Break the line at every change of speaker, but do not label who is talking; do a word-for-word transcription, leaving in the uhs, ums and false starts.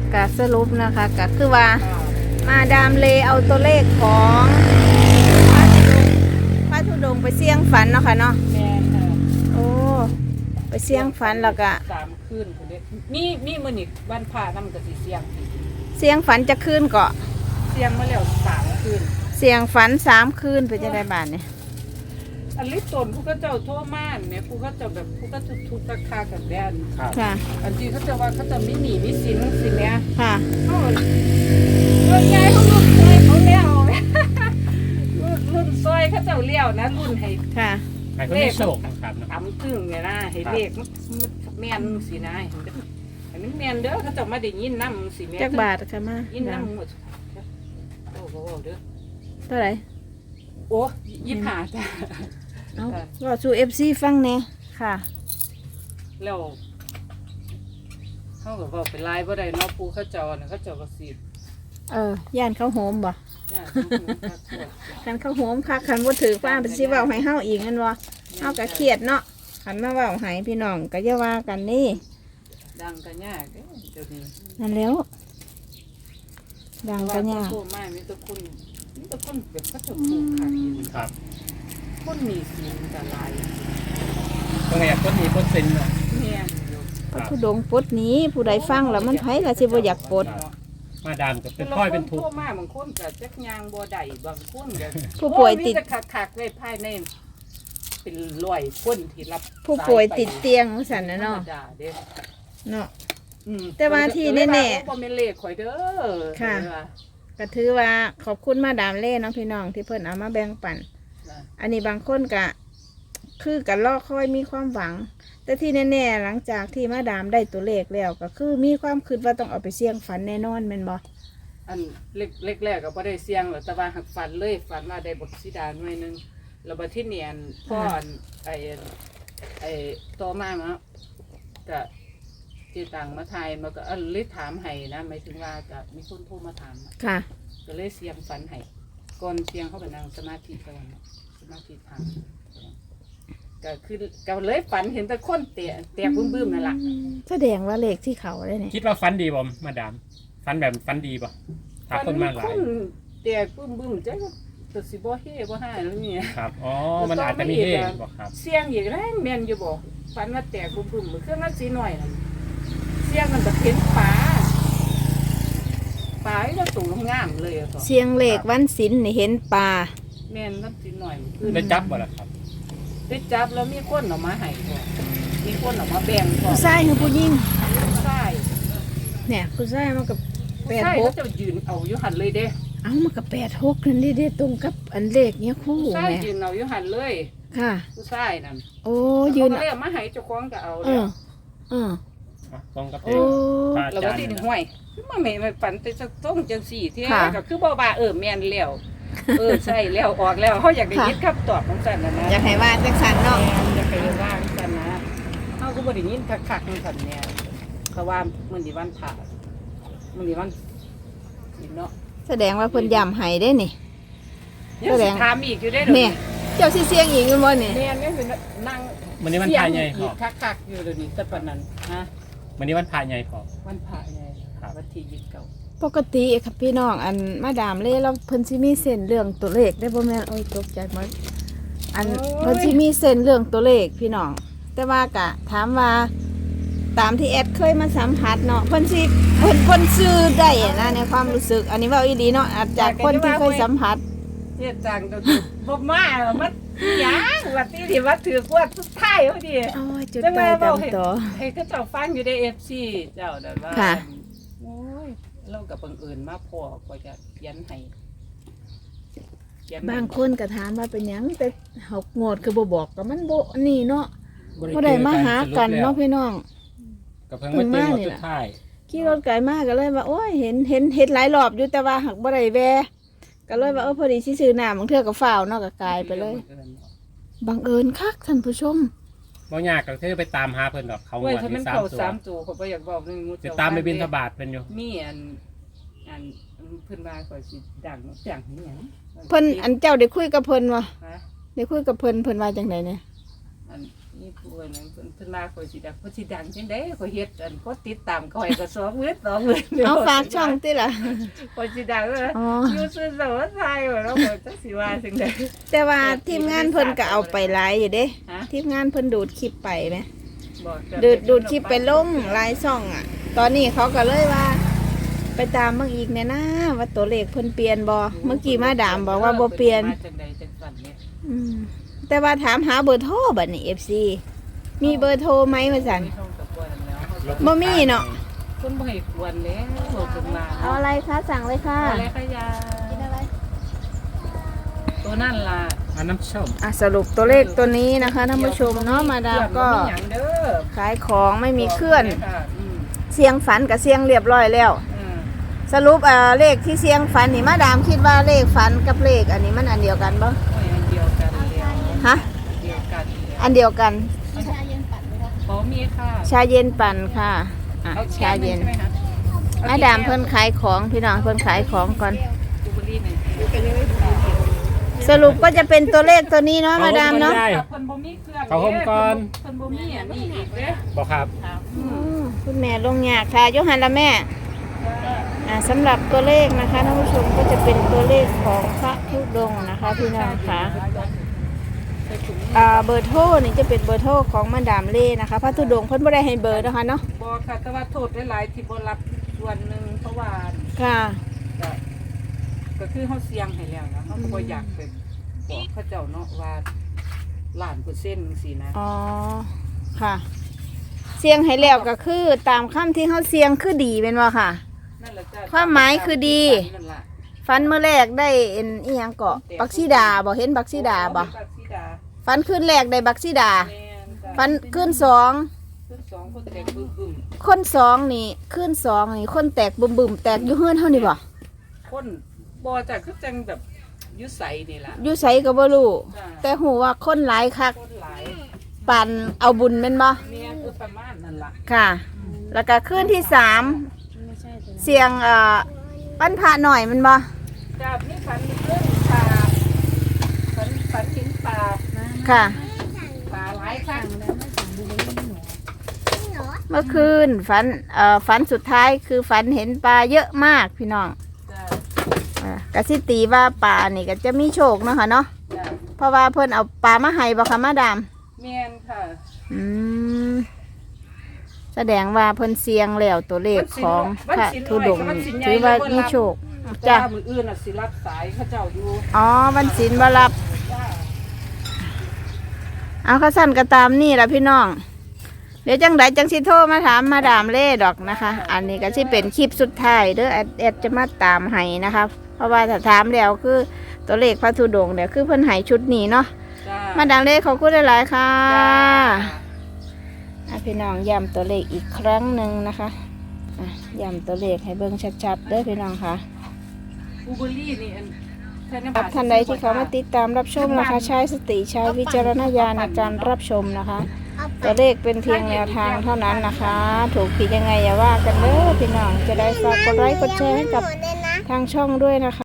กะสรุปนะคะกะคือว่ามาดามเลเอาตัวเลขของพระธุดงค์ไปเสี่ยงฝันเนาะค่ะเนาะ
แม่ค่ะ
โอ้ไปเสี่ยงฝันแล้วก็
สามคืนคนเด็กมีมีมื้อนี้วันพระนำก็สิเสียง
เสี่ยงฝันจะคืนเกาะ
เสียงมาแล้วสามคืน
เสี่ยงฝันสามคืนไปจะได้บาทเนี่ย
อันลิตนผู้ก็เจ้าโทรม่านแม่ผู้ก็เจ้าแบบผู้ก็ทุกทุกราคากันแดน
ค่ะ
อันที่เขาจะว่าเขาจะไม่หนีไม่สินสินเนี่ย
ค่ะ
เขารุ่นใหญ่เขารุ่นซอยเขาเลี้ยวรุ่นรุ่นซอยเขาเจ้าเลี้ยวนะรุ่นให้
ค่ะ
เลขครับ
ต่ำตึงเนี่ยนะให้เลขมันแม่นสินะอันนี้แม่นเด้อเขาจะมาได้ยินน้ำสิแม่
จักบาทค่ะมา
ยินน้ำหมดโอ้โหเด้อ
เท่าไหร่
โอ้ยี่สิบห้าจ้ะ
เอาก็สู่เอฟซีฟังแน่ค่ะ
แล้วเขาก็บอกเป็นลายบ่ได้เนาะปูเขาเจ้าน่ะเขาเจ้าก็สิ
เออย่านเขาโหมบ่
ย่าน
คันเขาโหมค่ะคันบ่ถือฟ้าเป็นสิเว้าให้เฮาอีกนั่นบ่เฮาก็เครียดเนาะคันมาเว้าให้พี่น้องก็อย่าว่ากันนี่
ดังกันยากเด้อเดี๋ยวนี้
นั่นแล้วดังกันยาก
โอ้ไม่มีแต่คนมีแต่คนแบบเขาจะปลูกขาย
ครับ
คนมีสินกันหลาย
ก็ไงคนมีคนสินเนาะ
แม่นอยู่
พระธุดงค์ปลดหนี้ผู้ใดฟังแล้วมันไผก็สิบ่อยากปลด
มาดามก็เป็นค่อยเป็นทุกข์
มาบางคนก็จักยางบ่ได้บางคนก็
ผู้ป่วยติด
คักๆไว้ภายในเป็นร้อยคนที่รับ
ผู้ป่วยติดเตียงสั่นนะเนาะเนาะแต่ว่าที่แน่ๆบ่
แม่นเลขข่อยเด้อ
ค่ะก็ถือว่าขอบคุณมาดามเล่เนาะพี่น้องที่เพิ่นเอามาแบ่งปันอันนี้บางคนก็คือกันรอคอยมีความหวังแต่ที่แน่ๆหลังจากที่มาดามได้ตัวเลขแล้วก็คือมีความคิดว่าต้องเอาไปเสี่ยงฝันแน่นอนแม่นบ่
อันเล็กเล็กแรกก็บ่ได้เสี่ยงหรอกแต่ว่าหักฝันเลยฝันว่าได้บทสีดาหน่อยนึงแล้วบัดที่เนียนพ่อไอ้ไอ้โตมาเนาะก็ที่ต่างมาไทยมันก็อันเลยถามให้นะหมายถึงว่าจะมีคนโทรมาถาม
ค่ะ
ก็เลยเสียงฝันให้ก่อนเสียงเข้าไปนั่งสมาธิก่อนสมาธิทางก็คือก็เลยฝันเห็นแต่คนเตะเตะบึ้มๆนั่นแหละ
แสดงว่าเลขที่เขาได้เนี่ย
คิดว่าฝันดีบ่มาดามฝันแบบฝันดีป่ะถ้าคนมาหลาย
เตะบึ้มๆจ้ะตัวสิบ่เฮ่บ่ห่าแล้วนี่
ครับอ๋อมันอาจจะมีเฮ่บ่ครับ
เสียงอีกแล้วแม่นอยู่บ่ฝันว่าแตกบึ้มๆเครื่องนั้นสีหน่อยนั่นเสียงมันก็เห็นปลาปลาที่เราสูงงามเลยอ่ะ
เสียงเลขวันศิลป์นี่เห็นปลา
แม่นนั้นสีหน่อย
ได้จับบ่ล่ะครับ
ได้จับแล้วมีคนออกมาให้ก่อนมีคนออกมาแบ่งก่อน
ผู้ชายคือผู้หญิง
ผู้ชาย
เนี่ยผู้ชายมันกับ
แปดหกจะยืนเอาอยู่หันเลยเด้
เอ้ามันกับแปดหกนั่นดิเด้ตรงกับอันเลขเนี้ยคู่
แม่ยืนเอาอยู่หันเลย
ค่ะ
ผู้ชายนั่น
โอ้ยืน
เอาเลยมาให้เจ้าของก็เอาเลย
เออ
ตรงกับ
เอง
เราบ่ที่ห่วยมาแม่มาฝันแต่จะต้องจังสี่ที่ก็คือบ่ว่าเออแม่นแล้วเออใช่แล้วออกแล้วเขาอยากได้ยินคำตอบของสันนะนะ
อยากให้ว่าจังสันเนาะ
อยากให้ว่าจังสันนะเขาก็บ่ได้ยินคักๆจังสันเนี่ยเขาว่ามื้อนี้วันพระมื้อนี้วันเนาะ
แสดงว่าเพิ่นย้ำให้ได้นี่
แสดงถามอีกอยู่ได้เด้อ
แม่เจ้าสิเสียงอีกอยู่บ่นี่
แม่แม่เป็นนั่ง
มื้อนี้วันพระใหญ่พอ
คักๆอยู่เดี๋ยวนี้แต่ปานนั้นฮะ
มื้อนี้วันพระใหญ่พอ
วันพระใหญ่วันที่ยี่สิบเก้า
ปกติครับพี่น้องอันมาดามเล่เราเพิ่นสิมีเส้นเรื่องตัวเลขได้บ่แม่นโอ้ยตกใจหมดอันเพิ่นสิมีเส้นเรื่องตัวเลขพี่น้องแต่ว่ากะถามว่าตามที่แอดเคยมาสัมผัสเนาะเพิ่นสิเพิ่นเพิ่นซื้อได้นะในความรู้สึกอันนี้ว่าอีหลีเนาะจากคนที่เคยสัมผัส
เฮ็ดจังบ่มามันหยังว่าที่ที่ว่าถือกวดสุดท้ายพอดี
โอ้ยจุดตายตามต่อ
ให้เขาเจ้าฟังอยู่ใน เอฟ ซี เจ้านั่นว่า
ค่ะ
โอ้ยเรากับบังเอิญมาพอก็จะยันให้
บางคนก็ถามว่าเป็นหยังแต่หกงวดคือบ่บอกก็มันบ่นี่เนาะบ่ได้มาหากันเนาะพี่น้อง
ก็เพิ่งมาเจอสุดท้าย
ขี่รถไกลมากก็เลยว่าโอ้ยเห็นเห็นเห็นหลายรอบอยู่แต่ว่าหักบ่ได้แวะก็เลยว่าเออพอดีสิซื้อน้ำบางเทื่อก็ฟ้าวเนาะก็กลายไปเลยบังเอิญคักท่านผู้ชม
บ่ยากก็คือไปตามหาเพิ่นดอกเขางวดที่
สามตัวเขาบ่อยากบอกนึงมุ
จะตามไปบิณฑบาตเพิ่นอยู่
มีอันอันเพิ่นว่าก็สิดังจังนี่หยัง
เพิ่นอันเจ้าได้คุยกับเพิ่นบ่ได้คุยกับเพิ่นเพิ่นว่าจังได๋เนี่ย
อันมีผู้อันนั้นเพิ่นเพิ่นมาข่อยสิดังข่อยสิดังจังได๋ข่อยเฮ็ดอันก็ติดตามข่อยก็สองมื้อสองมื้อ
เอาฝากช่องติล่ะ
ข่อยสิดังเลย
อ๋อ
อยู่ซื่อสวไทยว่าแล้วข่อยจักสิว่าจังได๋
แต่ว่าทีมงานเพิ่นก็เอาไปหลายอยู่เด้
ฮะ
ทีมงานเพิ่นดูดคลิปไปไหม
บ่จะ
ดูดดูดคลิปไปลงหลายช่องอ่ะ ตอนนี้เขาก็เลยว่า ไปตามเบิ่งอีกแน่นะว่าตัวเลขเพิ่นเปลี่ยนบ่เมื่อกี้มาดามบอกว่าบ่เปลี่ยน
มาจังได๋จังซั่นเนี่ย
อืมแต่ว่าถามหาเบอร์โทรบัดนี้ เอฟ ซี มีเบอร์โทรไหมว่าซั่น
ไม่ต้องตะกวนแล้ว
บ่มีเนาะ
คนบ่ให้ควรแล้วบอกจังมา
เอาอะไรคะสั่งเลยค่ะ
อะไรขยะกินอะไรตัวนั่นล่ะ
อันน้ำส้ม
อ่ะสรุปตัวเลขตัวนี้นะคะท่านผู้ชมเนาะมาดามก็
บ่มีหยังเด้อ
ขายของไม่มีเคลื่อน
ค่ะอืม
เสียงฝันกับเสียงเรียบร้อยแล้ว
อืม
สรุปเอ่อเลขที่เสียงฝันนี่มาดามคิดว่าเลขฝันกับเลขอันนี้มันอันเดียวกันบ่
โอ้ยอันเดียวกันแล้ว
ฮะ
เดียวกันแล้ว
อันเดียวกัน
บ่มีค่ะ
ชาเย็นปั่นค่ะอ่ะ
เอา
ชาเย็น
ใช่ไหมคะ
มาดามเพิ่นขายของพี่น้องเพิ่นขายของก่อน
ดูบุหรี่หนึ่ง
สรุปก็จะเป็นตัวเลขตัวนี้เนาะมาดามเนาะ
ได้
เพิ่นบ่มีเครื่อง
เขาห่มก่อน
เพิ่นบ่มีอันนี้อีกเด้อ
บอกครับ
ครับ
อืมคุณแม่ลงยากค่ะยกหันละแม่อ่าสำหรับตัวเลขนะคะท่านผู้ชมก็จะเป็นตัวเลขของพระธุดงค์นะคะพี่น้องค่ะอ่าเบอร์โทรนี่จะเป็นเบอร์โทรของมาดามเล่นะคะพระธุดงค์เพิ่นบ่ได้ให้เบอร์นะคะเนาะ
บ่ค่ะแต่ว่าโทษหลายๆที่บ่รับส่วนหนึงเพราะว่า
ค่ะ
ก็ก็คือเฮาเสี่ยงให้แล้วนะเฮาก็บ่อยากไปบอกเขาเจ้าเนาะว่าล้านเปอร์เซ็นต์จังซี่นะ
อ๋อค่ะ เสียงให้แล้วก็คือตามคำที่เฮาเสียงคือดีเป็นว่าค่ะ
นั่นแหละจ้ะ
ความหมายคือดี
นั่นล่ะ
ฟันเมื่อแรกได้เอ็นอีหยังเกาะบักซีดาบ่เห็นบักซีดาบ่
บักซีดา
ฟันขึ้นแรกได้บักซีดา
แม่นจ้ะ
ฟันขึ้นสอง
ขึ้นสองคนแตกบึ้ม
คนสองนี่ขึ้นสองนี่คนแตกบึมบึมๆแตกอยู่เฮือนเท่านี่บ่
ๆคนบ่จ้ะคือจังแบบอยู่ใสนี่ล่ะ
อยู่ไสก็บ่รู้
จ้ะ
แต่หูว่าคนหลายคัก
คนหลาย
ปันเอาบุญแม่นบ่
แม่นคือประมาณนั่นล่ะ
ค่ะ แล้วก็ขึ้นที่สามเสียงเอ่อปั้นพระหน่อยแมันบ่
จ้ะมีฝันเรื่องปลาฝันฝันกินปลา
ค่ะ
ปลาหลายครั้ง
เมื่อคืนฝันเอ่อฝันสุดท้ายคือฝันเห็นปลาเยอะมากพี่น้อง
จ้ะ
อ่ากะสิตีว่าปลานี่ก็จะมีโชคเนาะค่ะเนาะ
จ้ะ
เพราะว่าเพิ่นเอาปลามาให้บ่ค่ะมาดาม
แม่นค่ะ
อืมแสดงว่าเพิ่นเสียงแล้วตัวเลขของพระธุดงค์นี่ถือว่ามีโชค
จ้ะ
จ้ะ
มืออื่นน่ะสิรับสายเขาเจ้าอยู่
อ๋อวันศีลบ่รับ
จ้า
เอาข้าสั้นก็ตามนี่ล่ะพี่น้อง เดี๋ยวจังไดจังสิโทรมาถามมาดามเล่ดอกนะคะ อันนี้ก็สิเป็นคลิปสุดท้ายเด้อแอดแอดจะมาตามให้นะคะเพราะว่าถ้าถามแล้วคือตัวเลขพระธุดงค์เนี่ยคือเพิ่นให้ชุดนี้เนาะ
จ้า
มาดามเล่ขอบคุณหลายๆค่ะ
จ้า
อ่ะพี่น้องย้ำตัวเลขอีกครั้งหนึ่งนะคะอ่ะย้ำตัวเลขให้เบิ่งชัดๆเด้อพี่น้องค่ะ
บูเบอรี่นี่อันใช้ำ
ค
บ
รับท่านใดที่เขามาติดตามรับชมนะคะใช้สติใช้วิจารณญาณในการรับชมนะคะ ตัวเลขเป็นเพียงแนวทางเท่านั้นนะคะ ถูกผิดยังไงอย่าว่ากันเด้อพี่น้องจะได้ฝากกดไลค์กดแชร์ให้กับทางช่องด้วยนะคะ